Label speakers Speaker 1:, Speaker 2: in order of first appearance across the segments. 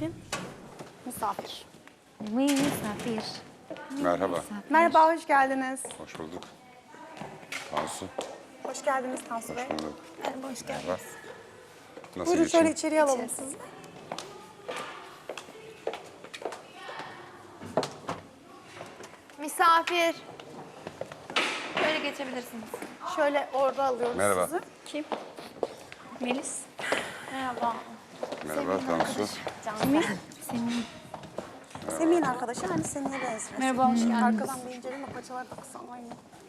Speaker 1: için?
Speaker 2: Misafir.
Speaker 3: Misafir.
Speaker 4: Merhaba.
Speaker 2: Merhaba, hoş geldiniz.
Speaker 4: Hoş bulduk. Tansu.
Speaker 2: Hoş geldiniz Tansu Bey.
Speaker 4: Hoş bulduk.
Speaker 1: Merhaba, hoş geldiniz.
Speaker 4: Merhaba. Nasıl
Speaker 2: Buyurun
Speaker 4: geçeyim?
Speaker 2: şöyle içeriye alalım sizi.
Speaker 1: Misafir. Böyle geçebilirsiniz.
Speaker 2: Şöyle orada alıyoruz
Speaker 4: Merhaba.
Speaker 2: sizi.
Speaker 3: Kim? Melis.
Speaker 1: Merhaba.
Speaker 4: Merhaba Tansu.
Speaker 2: Semih'in arkadaşı hani Semih'e benziyor.
Speaker 3: Merhaba, hoş geldiniz.
Speaker 2: Arkadan bir inceleme paçalar da kısa aynı.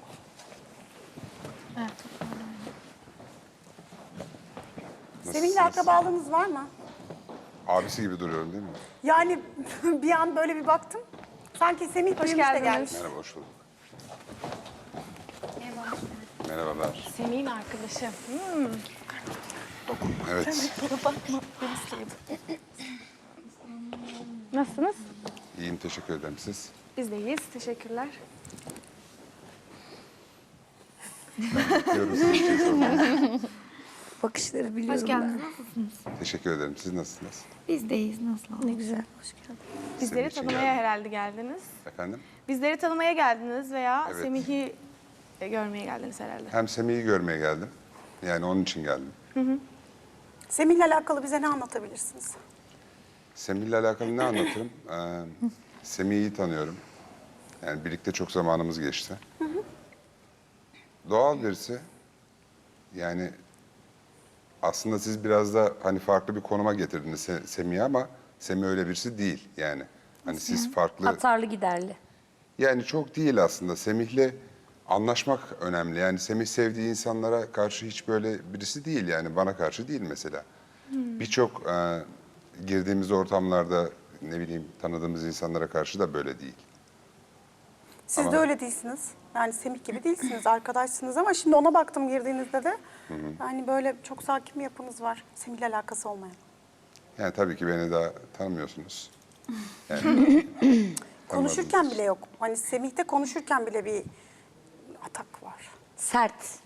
Speaker 2: Semih'le akrabalığınız var mı?
Speaker 4: Abisi gibi duruyorum değil mi?
Speaker 2: Yani bir an böyle bir baktım. Sanki Semih büyümüş de gelmiş.
Speaker 4: Merhaba, hoş bulduk. Merhabalar.
Speaker 1: Semih'in arkadaşı.
Speaker 4: Evet,
Speaker 1: Nasılsınız?
Speaker 4: iyiyim. Teşekkür ederim. Siz?
Speaker 1: Biz de iyiyiz. Teşekkürler.
Speaker 4: Bekliyorum size bir şey sormayı.
Speaker 3: Bakışları biliyorum
Speaker 1: Hoş geldiniz.
Speaker 4: Teşekkür ederim. Siz nasılsınız?
Speaker 3: Biz deyiz, nasıl? Ne güzel, hoş geldin.
Speaker 1: Bizleri
Speaker 4: Senin için
Speaker 1: tanımaya
Speaker 4: geldim.
Speaker 1: herhalde geldiniz.
Speaker 4: Efendim?
Speaker 1: Bizleri tanımaya geldiniz veya
Speaker 4: Evet.
Speaker 1: Semih'i görmeye geldiniz herhalde.
Speaker 4: Hem Semih'i görmeye geldim. Yani onun için geldim.
Speaker 2: Semih'le alakalı bize ne anlatabilirsiniz?
Speaker 4: Semih'le alakalı ne anlatırım? Semih'i iyi tanıyorum. Yani birlikte çok zamanımız geçti. Doğal birisi. Yani aslında siz biraz da hani farklı bir konuma getirdiniz Semih'i ama Semih öyle birisi değil yani. Hani siz farklı...
Speaker 3: Atarlı giderli.
Speaker 4: Yani çok değil aslında. Semih'le anlaşmak önemli. Yani Semih sevdiği insanlara karşı hiç böyle birisi değil yani. Bana karşı değil mesela. Birçok girdiğimiz ortamlarda ne bileyim tanıdığımız insanlara karşı da böyle değil.
Speaker 2: Siz de öyle değilsiniz. Yani Semih gibi değilsiniz, arkadaşsınız ama şimdi ona baktım girdiğinizde de. Yani böyle çok sakin bir yapınız var. Semih'le alakası olmayan.
Speaker 4: Yani tabii ki beni daha tanımıyorsunuz. Yani,
Speaker 2: Konuşurken
Speaker 4: tanımadınız.
Speaker 2: bile yok. Hani Semih'te konuşurken bile bir atak var.
Speaker 3: Sert.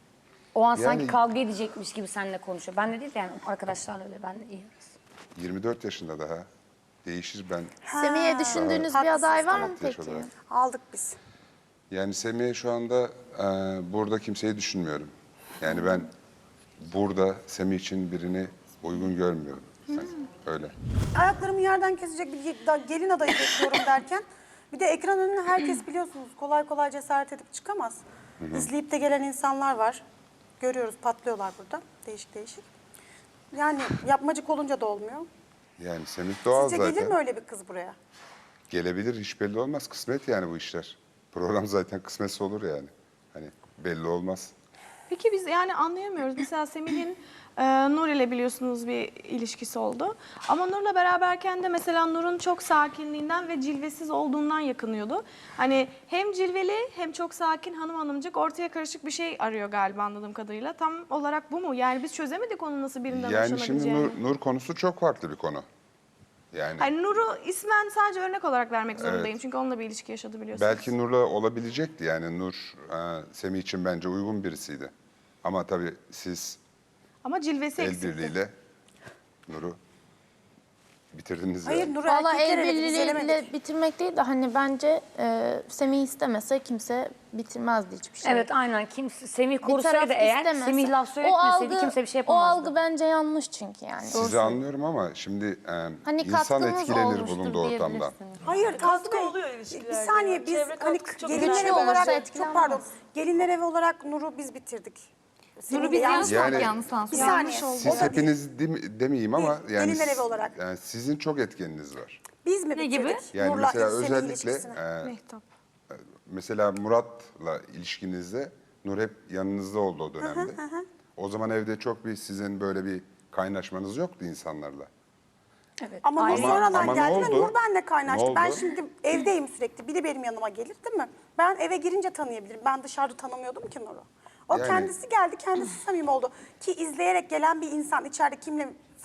Speaker 3: O an sanki
Speaker 4: Yani-
Speaker 3: kavga edecekmiş gibi seninle konuşuyor. Ben de değil de yani arkadaşlarla öyle, ben de iyi.
Speaker 4: 24 yaşında daha. Değişir ben.
Speaker 5: Semih'e düşündüğünüz bir
Speaker 2: haklısınız,
Speaker 5: aday var mı
Speaker 4: sanat yaş
Speaker 5: peki?
Speaker 4: olarak.
Speaker 2: Aldık biz.
Speaker 4: Yani Semih'e şu anda burada kimseyi düşünmüyorum. Yani ben burada Semih için birini uygun görmüyorum. Yani öyle.
Speaker 2: Ayaklarımı yerden kesecek bir gelin adayı bekliyorum derken bir de ekran önüne herkes biliyorsunuz kolay kolay cesaret edip çıkamaz. İzleyip de gelen insanlar var. Görüyoruz patlıyorlar burada değişik değişik. Yani yapmacık olunca da olmuyor.
Speaker 4: Yani Semih doğal
Speaker 2: Sizce
Speaker 4: zaten.
Speaker 2: gelir mi öyle bir kız buraya?
Speaker 4: Gelebilir, hiç belli olmaz. Kısmet yani bu işler. Program zaten kısmetse olur yani. Hani belli olmaz.
Speaker 1: Peki biz yani anlayamıyoruz. Mesela Semih'in Nur ile biliyorsunuz bir ilişkisi oldu. Ama Nur'la beraberken de mesela Nur'un çok sakinliğinden ve cilvesiz olduğundan yakınıyordu. Hani hem cilveli hem çok sakin hanımcık ortaya karışık bir şey arıyor galiba anladığım kadarıyla. Tam olarak bu mu? Yani biz çözemedik onun nasıl birinden
Speaker 4: Yani şimdi
Speaker 1: hoşlanabileceğini.
Speaker 4: Nur konusu çok farklı bir konu. Yani
Speaker 1: Hani Nur'u ismen sadece örnek olarak vermek zorundayım. Çünkü onunla bir ilişki yaşadı biliyorsunuz.
Speaker 4: belki Nur'la olabilecekti. Yani Nur Semih için bence uygun birisiydi. Ama tabii siz
Speaker 1: Ama cilvesi
Speaker 4: el
Speaker 1: eksikti.
Speaker 4: birliğiyle Nur'u bitirdiniz
Speaker 2: Hayır
Speaker 4: yani.
Speaker 2: Nur'u
Speaker 5: Valla
Speaker 2: erkekler
Speaker 5: el
Speaker 2: eledi, biz elemedik.
Speaker 5: birliğiyle bitirmek değil de hani bence Semih istemese kimse bitirmezdi hiçbir şey.
Speaker 3: Evet, aynen. Semih
Speaker 5: Bir taraf
Speaker 3: korusaydı eğer,
Speaker 5: istemese-
Speaker 3: Semih laf söyletmeseydi kimse bir şey
Speaker 5: O
Speaker 3: yapamazdı.
Speaker 5: algı bence yanlış çünkü yani.
Speaker 4: Sizi anlıyorum ama şimdi
Speaker 5: Hani
Speaker 4: insan
Speaker 5: katkımız
Speaker 4: etkilenir
Speaker 5: olmuştur
Speaker 4: bulunduğu ortamdan.
Speaker 5: diyebilirsin.
Speaker 2: Hayır Tansu Bey,
Speaker 6: oluyor ilişkilerde
Speaker 2: bir saniye
Speaker 6: ya.
Speaker 2: biz
Speaker 6: Çevre
Speaker 2: hani
Speaker 6: katkısı çok
Speaker 2: gelinler
Speaker 5: önemli.
Speaker 2: evi
Speaker 5: Olursa
Speaker 2: olarak çok
Speaker 5: etkilenmez.
Speaker 2: pardon gelinler evi olarak Nur'u biz bitirdik. Nur'u biz yanlış
Speaker 4: Yani-
Speaker 2: Bir saniye.
Speaker 4: Siz
Speaker 2: O da değil.
Speaker 4: hepiniz demeyeyim ama
Speaker 2: Değil,
Speaker 4: yani,
Speaker 2: gelinler evi olarak.
Speaker 4: yani sizin çok etkeniniz var.
Speaker 2: Biz mi bitirdik?
Speaker 3: gibi?
Speaker 4: Yani
Speaker 2: Nur'la
Speaker 4: mesela
Speaker 2: Semih'in
Speaker 4: özellikle
Speaker 2: ilişkisini?
Speaker 1: Mehtap.
Speaker 4: mesela Murat'la ilişkinizde Nur hep yanınızda oldu o dönemde. O zaman evde çok bir sizin böyle bir kaynaşmanız yoktu insanlarla.
Speaker 3: Evet.
Speaker 2: Ama Nur
Speaker 3: Ayrı-
Speaker 2: sonradan
Speaker 4: ama ne
Speaker 2: geldi ve
Speaker 4: oldu?
Speaker 2: Nur benimle kaynaştı.
Speaker 4: Ne
Speaker 2: Ben
Speaker 4: oldu?
Speaker 2: şimdi evdeyim sürekli. Biri benim yanıma gelir değil mi? Ben eve girince tanıyabilirim. Ben dışarıda tanımıyordum ki Nur'u. O
Speaker 4: Yani-
Speaker 2: kendisi geldi, kendisi samimi oldu. Ki izleyerek gelen bir insan içeride kimle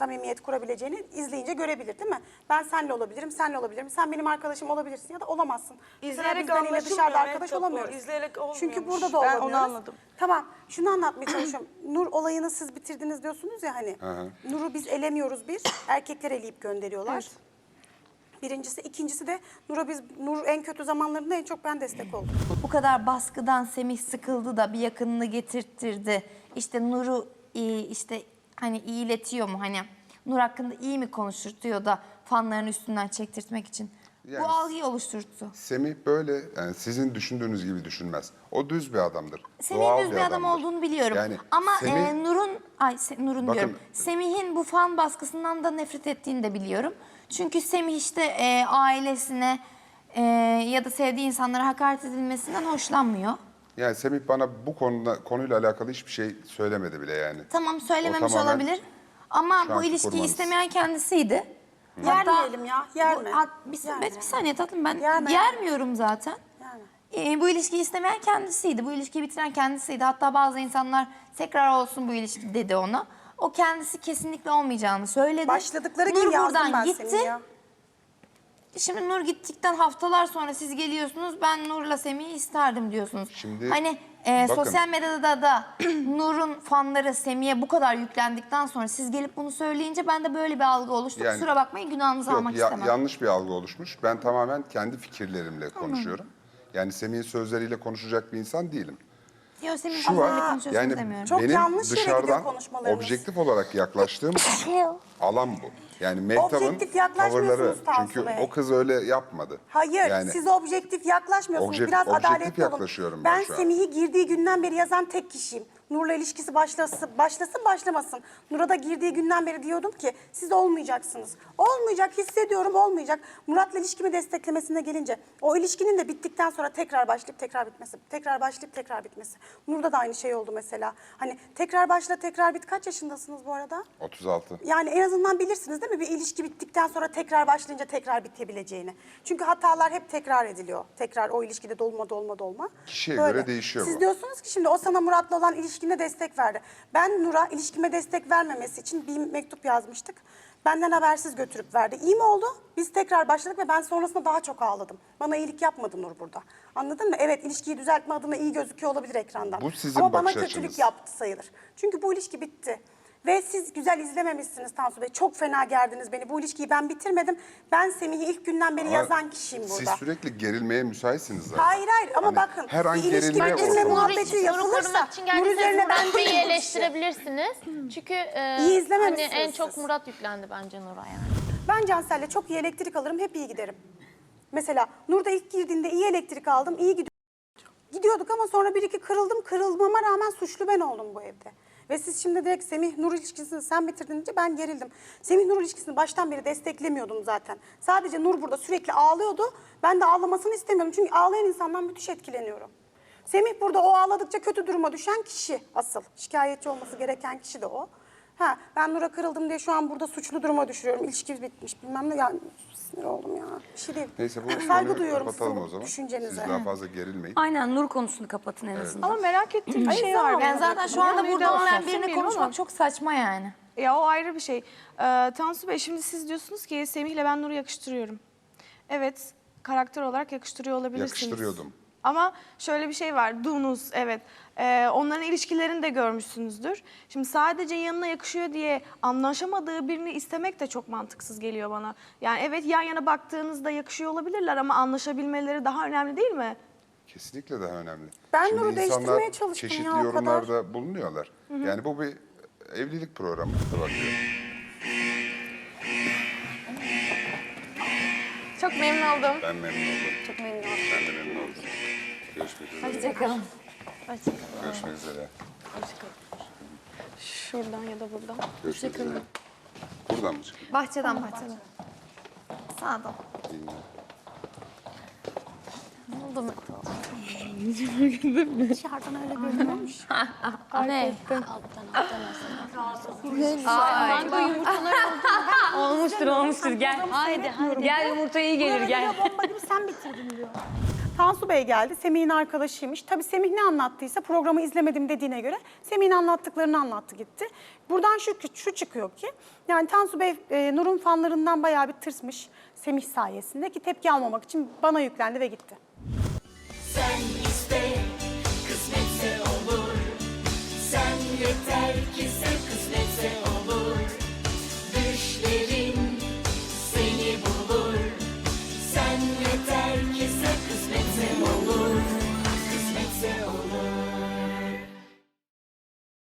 Speaker 2: samimiyet kurabileceğini izleyince görebilir değil mi? Ben seninle olabilirim, senle olabilirim. Sen benim arkadaşım olabilirsin ya da olamazsın. Mesela
Speaker 1: İzleyerek
Speaker 2: biz Dani ile
Speaker 1: anlaşılmıyor
Speaker 2: dışarıda arkadaş
Speaker 1: Mehtap bu.
Speaker 2: olamıyoruz.
Speaker 1: İzleyerek olmuyormuş.
Speaker 2: Çünkü burada da
Speaker 1: Ben
Speaker 2: olamıyoruz.
Speaker 1: onu anladım.
Speaker 2: Tamam, şunu anlatmaya çalışıyorum. Nur olayını siz bitirdiniz diyorsunuz ya hani. Nur'u biz elemiyoruz bir, erkekler eleyip gönderiyorlar. Birincisi, ikincisi de Nur en kötü zamanlarında en çok ben destek oldum.
Speaker 6: Bu kadar baskıdan Semih sıkıldı da bir yakınını getirttirdi. İşte Nur'u işte hani iyiletiyor mu, hani Nur hakkında iyi mi konuşturtuyor da fanların üstünden çektirtmek için.
Speaker 4: Yani
Speaker 6: Bu algıyı oluşturdu.
Speaker 4: Semih böyle, yani sizin düşündüğünüz gibi düşünmez. O düz bir adamdır.
Speaker 6: Semih'in
Speaker 4: Doğal
Speaker 6: düz bir adam
Speaker 4: adamdır.
Speaker 6: olduğunu biliyorum.
Speaker 4: Yani
Speaker 6: Ama
Speaker 4: Semih-
Speaker 6: Nur'un
Speaker 4: Bakın-
Speaker 6: diyorum. Semih'in bu fan baskısından da nefret ettiğini de biliyorum. Çünkü Semih işte ailesine ya da sevdiği insanlara hakaret edilmesinden hoşlanmıyor.
Speaker 4: Yani Semih bana bu konuyla alakalı hiçbir şey söylemedi bile yani.
Speaker 6: Tamam, söylememiş
Speaker 4: O tamamen
Speaker 6: olabilir. Ama
Speaker 4: şu
Speaker 6: bu
Speaker 4: anki
Speaker 6: ilişkiyi
Speaker 4: kurbanız.
Speaker 6: istemeyen kendisiydi.
Speaker 2: Yermeyelim ya, yerme.
Speaker 6: Bir saniye tatlım, ben
Speaker 2: Yerme.
Speaker 6: yermiyorum zaten.
Speaker 2: Yani.
Speaker 6: Bu ilişkiyi istemeyen kendisiydi. Bu ilişkiyi bitiren kendisiydi. Hatta bazı insanlar tekrar olsun bu ilişki dedi ona. O kendisi kesinlikle olmayacağını söyledi.
Speaker 2: Başladıkları
Speaker 6: Nur
Speaker 2: gün yazdım
Speaker 6: buradan
Speaker 2: ben
Speaker 6: gitti.
Speaker 2: seni ya.
Speaker 6: Şimdi Nur gittikten haftalar sonra siz geliyorsunuz. Ben Nur'la Semih'i isterdim diyorsunuz.
Speaker 4: Şimdi
Speaker 6: hani
Speaker 4: bakın.
Speaker 6: sosyal medyada da Nur'un fanları Semih'e bu kadar yüklendikten sonra siz gelip bunu söyleyince ben de böyle bir algı oluştu.
Speaker 4: Yani-
Speaker 6: Kusura bakmayın, günahınızı
Speaker 4: Yok,
Speaker 6: almak istemem.
Speaker 4: yanlış bir algı oluşmuş. Ben tamamen kendi fikirlerimle konuşuyorum. Yani Semih'in sözleriyle konuşacak bir insan değilim.
Speaker 6: Yok, Semih'in
Speaker 4: Şu var,
Speaker 6: sözleriyle konuşuyorsunuz
Speaker 4: yani
Speaker 6: demiyorum.
Speaker 2: Çok
Speaker 4: benim
Speaker 2: yanlış yere gidiyor
Speaker 4: dışarıdan
Speaker 2: konuşmalarınız.
Speaker 4: objektif olarak yaklaştığım alan bu. Yani Mehtap'ın
Speaker 2: Objektif yaklaşmıyorsunuz
Speaker 4: tavırları.
Speaker 2: Tansu
Speaker 4: Çünkü
Speaker 2: Bey.
Speaker 4: o kız öyle yapmadı.
Speaker 2: Hayır,
Speaker 4: Yani
Speaker 2: siz objektif yaklaşmıyorsunuz. Biraz
Speaker 4: objektif
Speaker 2: adaletli olun.
Speaker 4: yaklaşıyorum ben şu an.
Speaker 2: Semih'i girdiği günden beri yazan tek kişiyim. Nur'la ilişkisi başlasın başlamasın. Nur'a da girdiği günden beri diyordum ki siz olmayacaksınız. Olmayacak, hissediyorum olmayacak. Murat'la ilişkimi desteklemesine gelince o ilişkinin de bittikten sonra tekrar başlayıp tekrar bitmesi. Tekrar başlayıp tekrar bitmesi. Nur'da da aynı şey oldu mesela. Hani tekrar başla tekrar bit. Kaç yaşındasınız bu arada?
Speaker 4: 36.
Speaker 2: Yani en azından bilirsiniz değil mi? Bir ilişki bittikten sonra tekrar başlayınca tekrar bitebileceğini. Çünkü hatalar hep tekrar ediliyor. Tekrar o ilişkide dolma.
Speaker 4: Kişiye göre değişiyor
Speaker 2: Siz
Speaker 4: bu.
Speaker 2: diyorsunuz ki şimdi o sana Murat'la olan ilişkine destek verdi. Ben Nur'a ilişkime destek vermemesi için bir mektup yazmıştık. Benden habersiz götürüp verdi. İyi mi oldu? Biz tekrar başladık ve ben sonrasında daha çok ağladım. Bana iyilik yapmadı Nur burada. Anladın mı? Evet, ilişkiyi düzeltme adına iyi gözüküyor olabilir ekrandan.
Speaker 4: Bu sizin
Speaker 2: Ama bana
Speaker 4: bakış
Speaker 2: kötülük
Speaker 4: açınız.
Speaker 2: yaptı sayılır. Çünkü bu ilişki bitti. Ve siz güzel izlememişsiniz Tansu Bey. Çok fena gerdiniz beni. Bu ilişkiyi ben bitirmedim. Ben Semih'i ilk günden beri
Speaker 4: Ama
Speaker 2: yazan kişiyim burada.
Speaker 4: Siz sürekli gerilmeye müsaitsiniz zaten.
Speaker 2: Hayır ama
Speaker 4: Hani
Speaker 2: bakın.
Speaker 4: her an
Speaker 2: bir ilişki
Speaker 4: gerilmeye
Speaker 2: bitirme
Speaker 4: ortamı.
Speaker 2: muhabbeti
Speaker 7: Nur'u
Speaker 2: yapılırsa
Speaker 7: korumak için
Speaker 2: Nur
Speaker 7: geldiyseniz
Speaker 2: üzerine ben
Speaker 7: Murat Bey'i
Speaker 2: değilim bu işi.
Speaker 7: eleştirebilirsiniz. Çünkü
Speaker 2: İyi
Speaker 7: hani
Speaker 2: izlememişsiniz
Speaker 7: en çok
Speaker 2: siz.
Speaker 7: Murat yüklendi bence Nur'a yani.
Speaker 2: Ben Cansel'le çok iyi elektrik alırım, hep iyi giderim. Mesela Nur'da ilk girdiğinde iyi elektrik aldım, iyi gidiyorduk ama sonra bir iki kırıldım. Kırılmama rağmen suçlu ben oldum bu evde. Ve siz şimdi direkt Semih-Nur ilişkisini sen bitirdin deyince ben gerildim. Semih-Nur ilişkisini baştan beri desteklemiyordum zaten. Sadece Nur burada sürekli ağlıyordu. Ben de ağlamasını istemiyordum. Çünkü ağlayan insandan müthiş etkileniyorum. Semih burada o ağladıkça kötü duruma düşen kişi asıl. Şikayetçi olması gereken kişi de o. Ben Nur'a kırıldım diye şu an burada suçlu duruma düşürüyorum. İlişki bitmiş bilmem ne. Yani sinir oldum ya. Bir şey değil.
Speaker 4: Neyse bu
Speaker 2: Saygı
Speaker 4: konuyu
Speaker 2: duyuyorum
Speaker 4: kapatalım
Speaker 2: sizin
Speaker 4: o zaman.
Speaker 2: düşüncenize.
Speaker 4: Siz daha fazla gerilmeyin.
Speaker 3: Aynen, Nur konusunu kapatın en azından.
Speaker 1: Ama merak ettiğim bir şey var.
Speaker 6: Yani
Speaker 1: benim.
Speaker 6: zaten şu anda
Speaker 1: Konuyu
Speaker 6: burada
Speaker 1: da
Speaker 6: olmayan
Speaker 1: söylemeyelim
Speaker 6: birine konuşmak
Speaker 1: ama.
Speaker 6: çok saçma yani.
Speaker 1: Ya o ayrı bir şey. Tansu Bey, şimdi siz diyorsunuz ki Semih'le ben Nur'u yakıştırıyorum. Evet, karakter olarak yakıştırıyor olabilirsiniz.
Speaker 4: Yakıştırıyordum.
Speaker 1: Ama şöyle bir şey var, Dunuz, evet. Onların ilişkilerini de görmüşsünüzdür. Şimdi sadece yanına yakışıyor diye anlaşamadığı birini istemek de çok mantıksız geliyor bana. Yani evet, yan yana baktığınızda yakışıyor olabilirler ama anlaşabilmeleri daha önemli değil mi?
Speaker 4: Kesinlikle daha önemli.
Speaker 2: Ben
Speaker 4: Şimdi
Speaker 2: Nur'u
Speaker 4: insanlar
Speaker 2: değiştirmeye çalıştım
Speaker 4: çeşitli
Speaker 2: ya, o kadar.
Speaker 4: yorumlarda bulunuyorlar. Yani bu bir evlilik programı. Bakıyor.
Speaker 1: Çok memnun oldum.
Speaker 4: Ben memnun oldum. Çok memnun oldum. Ben de memnun oldum. Görüşmek üzere.
Speaker 3: Hoşçakalın.
Speaker 4: Görüşmek üzere.
Speaker 1: Şuradan ya da buradan.
Speaker 4: Görüşmek üzere. Buradan mı çıkıyor?
Speaker 6: Bahçeden. Sağdan.
Speaker 4: Bilmiyorum.
Speaker 6: Ne oldu mu?
Speaker 2: Dışarıdan öyle görünüyormuş.
Speaker 6: Ne?
Speaker 3: Olmuştur. Gel. Haydi. Gel, yumurta iyi gelir, gel.
Speaker 2: Bomba gibi sen bitirdin diyor. Tansu Bey geldi. Semih'in arkadaşıymış. Tabii Semih ne anlattıysa programı izlemedim dediğine göre Semih'in anlattıklarını anlattı gitti. Buradan şu çıkıyor ki yani Tansu Bey Nur'un fanlarından bayağı bir tırsmış Semih sayesinde ki tepki almamak için bana yüklendi ve gitti.
Speaker 8: Sen iste, kısmetse olur. Sen yeter ki sev.